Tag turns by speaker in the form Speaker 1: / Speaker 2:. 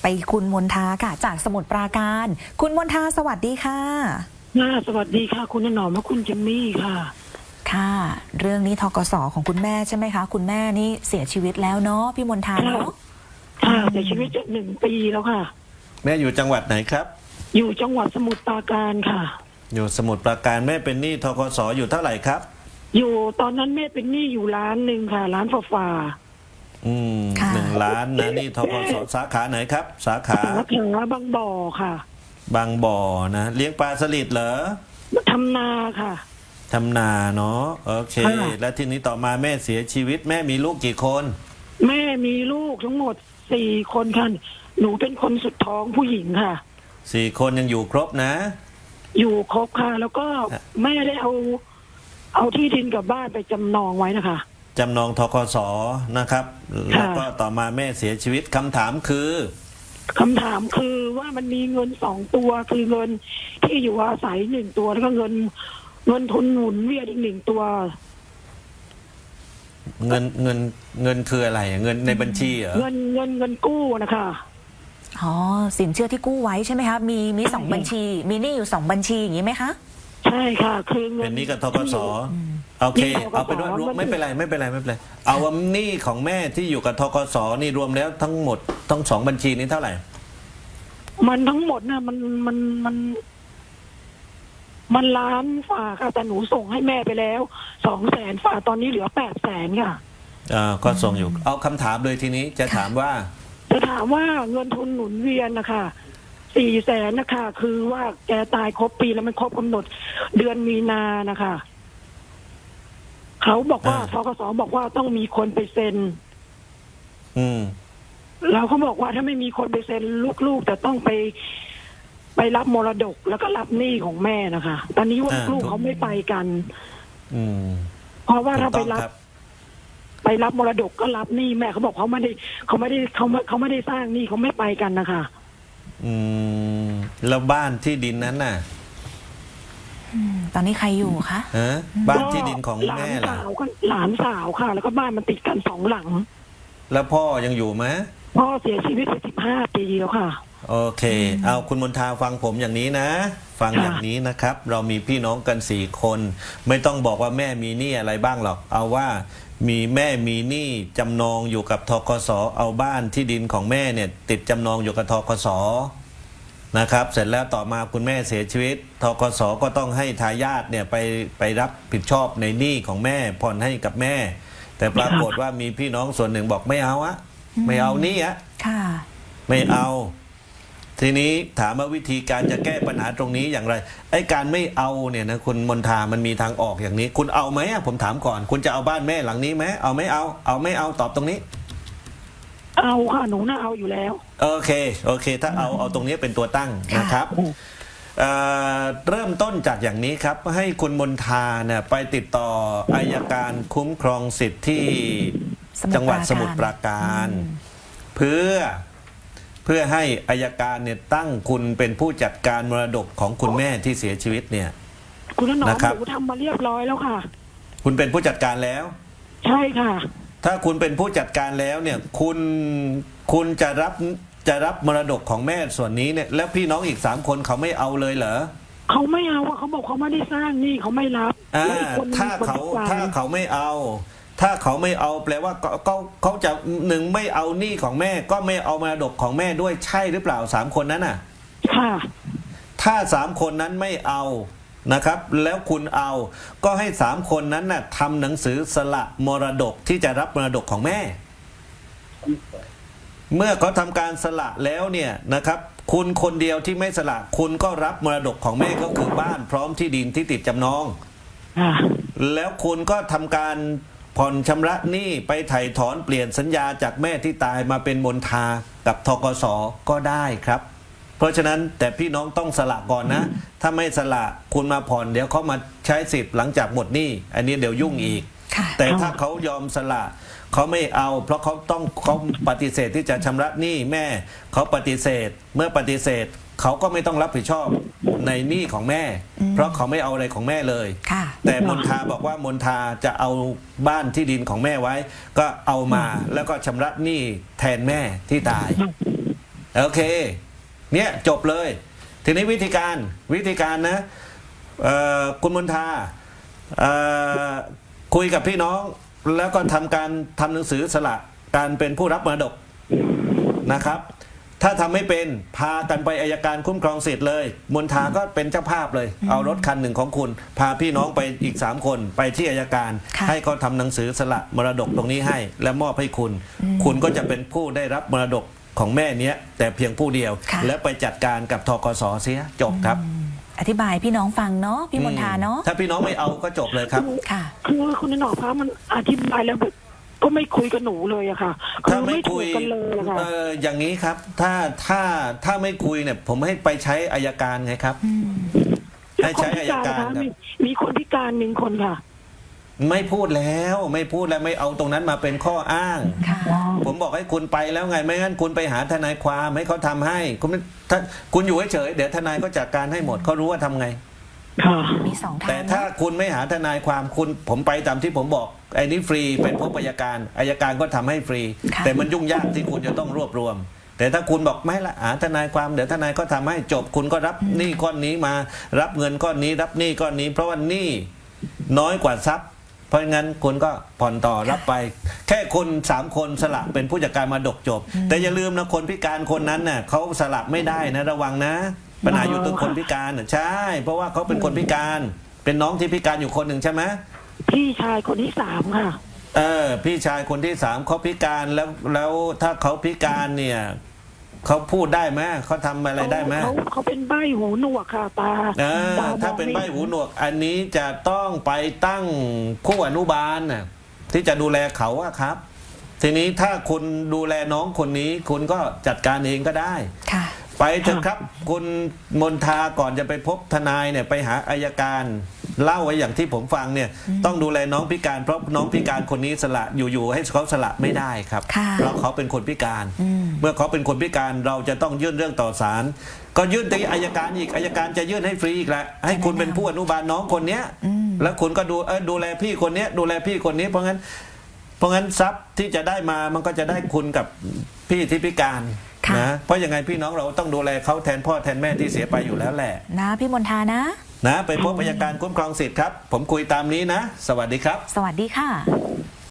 Speaker 1: ไปคุณมนทาค่ะจากสมุทรปราการคุณมนทาสวัสดีค่ะ
Speaker 2: สวัสดีค่ะคุณหนอมและคุณเจมมี่ค่ะ
Speaker 1: ค่ะเรื่องนี้ธกสของคุณแม่ใช่ไหมคะคุณแม่นี่เสียชีวิตแล้วเนาะพี่มนทาเนาะ
Speaker 2: ค่ะเสียชีวิตจาก1 ปีแล้วค่ะ
Speaker 3: แม่อยู่จังหวัดไหนครับ
Speaker 2: อยู่จังหวัดสมุทรปราการค่ะ
Speaker 3: อยู่สมุทรปราการแม่เป็นหนี้ธกสอยู่เท่าไหร่ครับ
Speaker 2: อยู่ตอนนั้นแม่เป็นหนี้อยู่1 ล้านค่ะล้านฝ่า
Speaker 3: 1 ล้านนะหนี้ธกสสาขาไหนครับสาขา
Speaker 2: บางบ่อค่ะ
Speaker 3: บางบ่อนะเลี้ยงปลาสลิดเหรอ
Speaker 2: ทำนาค่ะ
Speaker 3: ทำนาเนาะโอเคแล้วทีนี้ต่อมาแม่เสียชีวิตแม่มีลูกกี่คน
Speaker 2: แม่มีลูกทั้งหมด4 คนค่ะหนูเป็นคนสุดท้องผู้หญิงค่ะ
Speaker 3: 4 คนยังอยู่ครบนะ
Speaker 2: อยู่ครบค่ะแล้วก็แม่ได้เอาที่ดินกับบ้านไปจำนองไว้นะคะ
Speaker 3: จำนองธกสนะครับแล้วก็ต่อมาแม่เสียชีวิตคำถามคือ
Speaker 2: ว่ามันมีเงิน2 ตัวคือเงินที่อยู่อาศัย1 ตัวแล้วก็เงินทุนหมุนเวียนอีก1 ตัว
Speaker 3: เงินคืออะไรเงินในบัญชีเหรอ
Speaker 2: เงินกู้นะคะ
Speaker 1: อ๋อสินเชื่อที่กู้ไว้ใช่ไหมคะมี2 บัญชีมีหนี้อยู่2 บัญชีอย่างนี้ไหมคะ
Speaker 2: ใช่ค่ะคือเงิน
Speaker 3: เป็นหนี้กับธกสโอเคเอาไปด้วยไม่เป็นไรเอาว่าหนี้ของแม่ที่อยู่กับธกสนี่รวมแล้วทั้งหมดทั้ง2 บัญชีนี้เท่าไหร่
Speaker 2: มันทั้งหมดนะมันล้านฝ่าค่ะแต่หนูส่งให้แม่ไปแล้ว200,000 ฝ่าตอนนี้เหลือ800,000ค่ะ
Speaker 3: ก็ส่งอยู่เอาคำถามเลยทีนี้จะถามว่า
Speaker 2: เงินทุนหมุนเวียนนะคะ400,000นะคะคือว่าแกตายครบปีแล้วมันครบกำหนดเดือนมีนานะคะเขาบอกว่าธกสบอกว่าต้องมีคนไปเซ็นแล้วเขาบอกว่าถ้าไม่มีคนไปเซ็นลูกๆแต่ต้องไปรับมรดกแล้วก็รับหนี้ของแม่นะคะตอนนี้ว่าลูกเขาไม่ไปกันเพราะว่าถ้าไปรับมรดกก็รับหนี้แม่เขาบอกเขาไม่ได้สร้างหนี้เขาไม่ไปกันนะคะ
Speaker 3: แล้วบ้านที่ดินนั้นน่ะ
Speaker 1: ตอนนี้ใครอยู่คะ
Speaker 3: บ้านที่ดินของแม่ล่ะ
Speaker 2: หลานสาวค่ะแล้วก็บ้านมันติดกัน2 หลัง
Speaker 3: แล้วพ่อยังอยู่ไหม
Speaker 2: พ่อเสียชีวิตไป15 ปีแล้วค่ะ
Speaker 3: โอเคเอาคุณมนทาฟังผมอย่างนี้นะฟังอย่างนี้นะครับเรามีพี่น้องกัน4 คนไม่ต้องบอกว่าแม่มีหนี้อะไรบ้างหรอกเอาว่าแม่มีหนี้จำนองอยู่กับธกสเอาบ้านที่ดินของแม่เนี่ยติดจำนองอยู่กับธกสนะครับเสร็จแล้วต่อมาคุณแม่เสียชีวิตธกสก็ต้องให้ทายาทเนี่ยไปรับผิดชอบในหนี้ของแม่ผ่อนให้กับแม่แต่ปรากฏว่ามีพี่น้องส่วนหนึ่งบอกไม่เอาไม่เอาหนี้ไม่เอาทีนี้ถามว่าวิธีการจะแก้ปัญหาตรงนี้อย่างไรไอ้การไม่เอาเนี่ยนะคุณมนทามันมีทางออกอย่างนี้คุณเอาไหมผมถามก่อนคุณจะเอาบ้านแม่หลังนี้ไหมเอาไม่เอาตอบตรงนี้
Speaker 2: เอาค่ะหนูน่าเอาอยู่แล้ว
Speaker 3: โอเคถ้าเอาตรงนี้เป็นตัวตั้งนะครับเริ่มต้นจากอย่างนี้ครับให้คุณมนทาเนี่ยไปติดต่ออัยการคุ้มครองสิทธิ์ที่จังหวัดสมุทรปราการเพื่อให้อัยการเนี่ยตั้งคุณเป็นผู้จัดการมรดกของคุณแม่ที่เสียชีวิตเนี่ย
Speaker 2: คุณน้องหนูทำมาเรียบร้อยแล้วค่ะ
Speaker 3: คุณเป็นผู้จัดการแล้ว
Speaker 2: ใช่ค่ะ
Speaker 3: ถ้าคุณเป็นผู้จัดการแล้วเนี่ยคุณจะรับมรดกของแม่ส่วนนี้เนี่ยแล้วพี่น้องอีก3 คนเขาไม่เอาเลยเหรอ
Speaker 2: เขาไม่เอาเขาบอกเขาไม่ได้สร้างนี่เขาไม่รับ
Speaker 3: ถ้าเขาไม่เอาแปลว่าเขาจะ1ไม่เอาหนี้ของแม่ก็ไม่เอามรดกของแม่ด้วยใช่หรือเปล่า3 คนนั้นน่ะ
Speaker 2: ค่ะ
Speaker 3: ถ้า3 คนนั้นไม่เอานะครับแล้วคุณเอาก็ให้3 คนนั้นน่ะทำหนังสือสละมรดกที่จะรับมรดกของแม่เมื่อเขาทำการสละแล้วเนี่ยนะครับคุณคนเดียวที่ไม่สละคุณก็รับมรดกของแม่ก็คือบ้านพร้อมที่ดินที่ติดจำนองแล้วคุณก็ทำการผ่อนชำระหนี้ไปไถ่ถอนเปลี่ยนสัญญาจากแม่ที่ตายมาเป็นมนทากับธกสก็ได้ครับเพราะฉะนั้นแต่พี่น้องต้องสละก่อนนะถ้าไม่สละคุณมาผ่อนเดี๋ยวเขามาใช้สิทธิ์หลังจากหมดหนี้อันนี้เดี๋ยวยุ่งอีกแต่ถ้าเขายอมสละเขาไม่เอาเพราะเขาปฏิเสธที่จะชำระหนี้แม่เขาปฏิเสธเมื่อปฏิเสธเขาก็ไม่ต้องรับผิดชอบในหนี้ของแม่เพราะเขาไม่เอาอะไรของแม่เลยแต่มนทาบอกว่ามนทาจะเอาบ้านที่ดินของแม่ไว้ก็เอามาแล้วก็ชำระหนี้แทนแม่ที่ตายโอเคเนี่ยจบเลย ทีนี้วิธีการนะคุณมนทาคุยกับพี่น้องแล้วก็ทำหนังสือสละการเป็นผู้รับมรดกนะครับ ถ้าทำไม่เป็นพากันไปอัยการคุ้มครองสิทธิ์เลยมนทาก็เป็นเจ้าภาพเลย เอารถคันหนึ่งของคุณ พาพี่น้องไปอีก3คนไปที่อัยการ
Speaker 1: ค่ะ
Speaker 3: ให้เขาทำหนังสือสละมรดกตรงนี้ให้ และมอบให้คุณ คุณก็จะเป็นผู้ได้รับมรดกของแม่เนี้ยแต่เพียงผู้เดียว
Speaker 1: ค่ะ
Speaker 3: แล้วไปจัดการกับธกสเสียจบครับ
Speaker 1: อธิบายพี่น้องฟังเนาะพี่มนทาเนาะ
Speaker 3: ถ้าพี่น้องไม่เอาก็จบเลยครับ
Speaker 1: ค่ะ
Speaker 2: คือคุณหนอฟ้ามันอธิบายแล้วแบบก็ไม่คุยกับหนูเลยอะค่ะคื
Speaker 3: ถ้า
Speaker 2: อ
Speaker 3: ไม่
Speaker 2: ไม่ถู
Speaker 3: คุ
Speaker 2: ก
Speaker 3: ย
Speaker 2: กันเลยอะค่ะ
Speaker 3: อย่างนี้ครับ ถ้าไม่คุยเนี่ยผมให้ไปใช้อัยการไงครับ ให้ใช้อัยการครับ
Speaker 2: มีคนพิการ1 คนค่ะ
Speaker 3: ไม่พูดแล้วไม่เอาตรงนั้นมาเป็นข้ออ้าง
Speaker 1: ค่ะ
Speaker 3: ผมบอกให้คุณไปแล้วไงไม่งั้นคุณไปหาทนายความให้เขาทำให้คุณอยู่เฉยๆเดี๋ยวทนายก็จัดการให้หมดเขารู้ว่าทำไง
Speaker 2: ค่ะ
Speaker 1: มี2 ทาง
Speaker 3: แต่ถ้าคุณไม่หาทนายความผมไปตามที่ผมบอกไอ้นี้ฟรีเป็นพบอัยการก็ทำให้ฟรี
Speaker 1: ค่ะ
Speaker 3: แต่มันยุ่งยากที่คุณจะต้องรวบรวม แต่ถ้าคุณบอกไม่ละหาทนายความเดี๋ยวทนายก็ทำให้จบคุณก็รับหนี้ก้อนนี้มารับเงินก้อนนี้รับหนี้ก้อนนี้ เพราะว่าหนี้น้อยกว่าทรัพย์ เพราะงั้นคุณก็ผ่อนต่อรับไป แค่คน3 คนสละเป็นผู้จัดการมาดกจบ แต่อย่าลืมนะคนพิการคนนั้นน่ะเขาสละไม่ได้นะระวังนะ ปัญหาอยู่ตรงคนพิการน่ะใช่ เพราะว่าเขาเป็นคนพิการเป็นน้องที่พิการอยู่คนหนึ่งใช่ไหม
Speaker 2: พี่ชายคนที่3ค่ะ
Speaker 3: พี่ชายคนที่3เขาพิการแล้วถ้าเขาพิการเนี่ยเขาพูดได้ไหมเขาทำอะไรได้ไหม
Speaker 2: เขาเป็นใบ้หูหนวกค่ะตาตมอง
Speaker 3: ถ้าเป็นใบ
Speaker 2: ไม่
Speaker 3: หูหนวก อันนี้จะต้องไปตั้งผู้อนุบาลน่ะที่จะดูแลเขาอะครับ ทีนี้ถ้าคุณดูแลน้องคนนี้คุณก็จัดการเองก็ได้
Speaker 1: ค่ะ
Speaker 3: ไปเถอะครับ คุณมนทาก่อนจะไปพบทนายเนี่ยไปหาอัยการเล่าไว้อย่างที่ผมฟังเนี่ยต้องดูแลน้องพิการเพราะน้องพิการคนนี้สละอยู่ๆให้เขาสละไม่ได้ครับ
Speaker 1: ค่ะ
Speaker 3: เพราะเขาเป็นคนพิการ เมื่อเขาเป็นคนพิการเราจะต้องยื่นเรื่องต่อศาลก็ยื่นที่อัยการอีกอัยการจะยื่นให้ฟรีอีกแหละให้คุณเป็นผู้อนุบาลน้องคนเนี้ยแล้วคุณก็ดูแลพี่คนเนี้ยดูแลพี่คนนี้เพราะงั้นทรัพย์ที่จะได้มามันก็จะได้คุณกับพี่ที่พิการ
Speaker 1: ค่ะ
Speaker 3: นะเพราะยังไงพี่น้องเราต้องดูแลเขาแทนพ่อแทนแม่ที่เสียไปอยู่แล้วแหละ
Speaker 1: นะพี่มนทานะ
Speaker 3: นะไปพบอัยการคุ้มครองสิทธิ์ครับผมคุยตามนี้นะ สวัสดีครับ
Speaker 1: สวัสดีค่ะ